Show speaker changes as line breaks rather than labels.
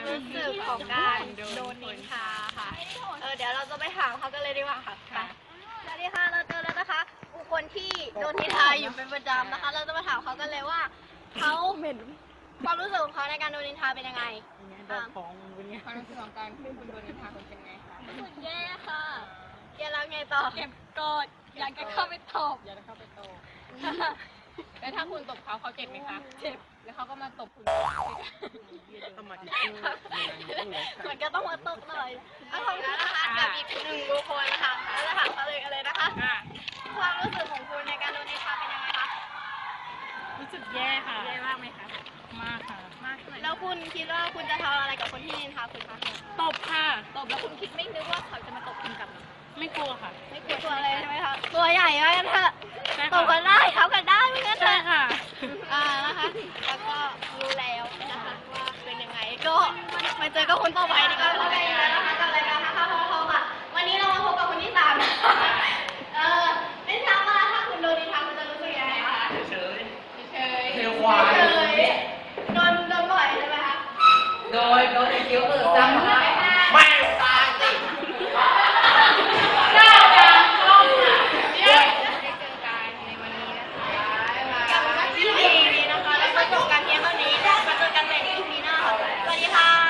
รู้สึกของการโดนนินทาค่ะเดี๋ยวเราจะไปถามเขากันเลยดีกว่าค่ะไปสวัสดีค่ะเราเจอแล้วนะคะบุคคลที่โดนนินทาอยู่เป็นประจำนะคะเราจะมาถามเขากันเลยว่าเขาความรู้สึกของเขาในการโดนนินทาเป็นยังไงความรู้สึกของการที่คุณโดนนินทาเป็นยังไงคะรู้สึกแย่ค่ะแย่แล้วไงต่อเก็บกดอยากจะเข้าไปตบ
แล้วถ้าคุณตบเขาเจ็บไหมคะเจ็บแล้วเขาก็มาตบคุณ
มันก็ต้องมาตบหน่อยเอาของคุณนะคะกับอีกหนึ่งบุคคลนะคะเราจะถามเขาเลยกันเลยนะคะความรู้สึกของคุณในการโดนนินทาเป็นยังไงคะ
รู้สึกแย่ค่ะแย่มากไหมคะมากค่ะมาก
แล้วคุณคิดว่าคุณจะทำอะไรกับคนที่นินทาคุณคะ
ตบค่ะ
ตบแล้วคุณคิดไม่นึกว่าเขาจะมาตบคุณกลับหรอ
ไม่กลัวค่ะ
ไม่กลัวเลยใช่ไหมคะตัวใหญ่มากกันเถอะตบกันได้เท้ากันได้ไม่งั้นเถอะ
ค่ะ
นะคะแล้วก็รู้แล้วนะคะว่าเป็นยังไงก็มาเจอกับคนต่อไปดีกว่านะคะกับรายการนะคะพอค่ะวันนี้เรามาพบกับคนที่3ไม่ทราบว่าถ้าคุณโดนนินทาคุณจะรู้สึกยังไงคะ
เฉย
เร็วควายโดนบ่อยใช่ไหมคะ
โดยคิ้วซ้ำมาก